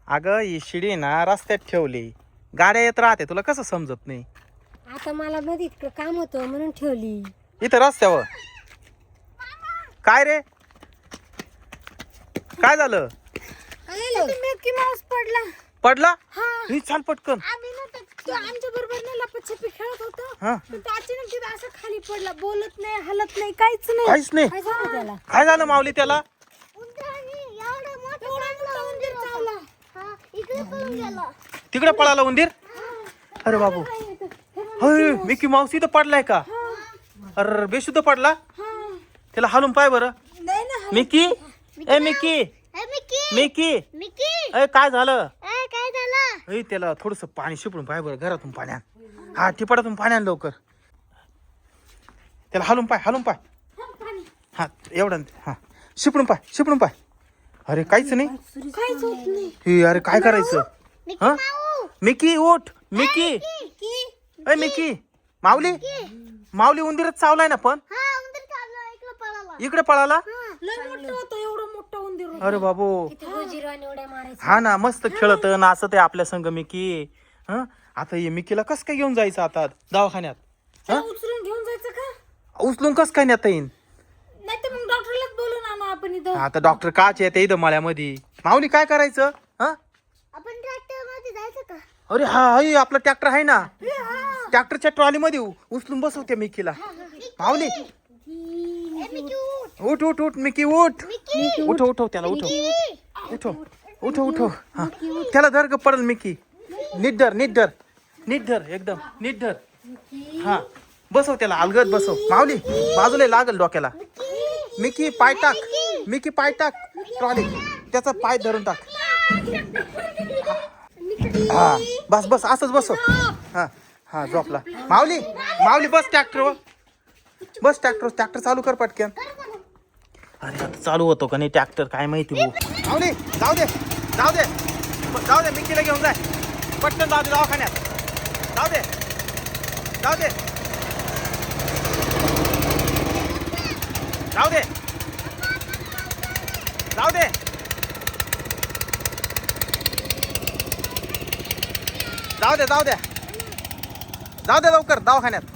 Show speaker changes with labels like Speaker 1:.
Speaker 1: अगं ही शिडी ना रस्त्यात ठेवली, गाड्या येत राहते, तुला कसं समजत नाही?
Speaker 2: आता मला मध्ये इतकं काम होतं म्हणून ठेवली.
Speaker 1: इथं रस्त्यावर काय रे, काय झालं?
Speaker 2: मिकी माऊस पडला.
Speaker 1: पडला?
Speaker 2: हा.
Speaker 1: ही चाल पटकन.
Speaker 2: आम्ही ना तो आमच्या बरोबर ना लपाछपी खेळत होतो.
Speaker 1: हा.
Speaker 2: पण तो अचानक तिथं असं खाली पडला, बोलत नाही, हलत नाही, काहीच नाही.
Speaker 1: काहीच नाही.
Speaker 2: काय झालं त्याला?
Speaker 1: काय झालं माऊली त्याला? तिकडे पळाला उंदीर. अरे बाबू, होय मिकी माऊस इथं पडलाय का? अरे बेशुद्ध पडला. त्याला हालून पाय बरं.
Speaker 2: नाही ना.
Speaker 1: मिकी, ए मिकी, मिकी, ए काय झालं?
Speaker 2: काय झालं?
Speaker 1: ए त्याला थोडस पाणी शिपडून पाय बरं, घरातून पाण्यात. हा टिपाडातून पाण्यात लवकर. त्याला हालून पाय, हालून पाय. हा एवढं, हा शिपडून पाय, शिपडून पाय. अरे काहीच नाही.
Speaker 2: काहीच होत नाही.
Speaker 1: हे अरे काय करायचं? हा मिकी उठ, मिकी, ए मिकी, माऊली, माऊली उंदीरच चावलाय ना पण. इकडे पळाला.
Speaker 2: लय मोठं होतं, एवढं मोठं उंदीर होतं.
Speaker 1: अरे बाबू,
Speaker 2: गोजीरवाणी उड्या मारायचं.
Speaker 1: हा ना मस्त खेळत नाचत आहे आपल्या संग मिकी. हा आता हे मिकीला कस काय घेऊन जायचं आता दवाखान्यात?
Speaker 2: त्याला उचलून घेऊन जायचं का?
Speaker 1: उचलून कस काय नेता येईन?
Speaker 2: नाही तर मग डॉक्टरलाच बोलून आणू आपण इथं.
Speaker 1: आता डॉक्टर काच येते इथं मळ्यामध्ये. माऊली काय करायचं? हा
Speaker 2: आपण ट्रॅक्टर मध्ये जायचं का?
Speaker 1: अरे हा हाय आपला ट्रॅक्टर आहे ना, ट्रॅक्टरच्या ट्रॉली मध्ये उचलून बसवते मिकीला. माऊली उठ उठ उठ मिकी उठ, उठव उठव त्याला, उठव उठव उठव उठव. हा त्याला धर ग, पडल मिकी. नीट धर, नीट धर, नीट धर, एकदम नीट धर. हा बसव त्याला, अलगद बसव. माऊली बाजूला लागल डोक्याला. मिकी पाय टाक, मिकी पाय टाक ट्रॉली, त्याचा पाय धरून टाक. हा बस बस असंच बसव. हा हा झोपला. माऊली, माऊली बस ट्रॅक्टरवर, बस ट्रॅक्टर, ट्रॅक्टर चालू कर पटकन. अरे आता चालू होतो का नाही ट्रॅक्टर काय माहिती भाऊ. माऊली जाऊ दे, जाऊ दे, जाऊ दे, मिकीला घेऊन जाय पटकन, जाऊ दे दवाखान्यात, जाऊ दे, जाऊ दे, जाऊ दे, जाऊ दे, जाऊ दे, जाऊ दे, जाऊ दे लवकर दवाखान्यात.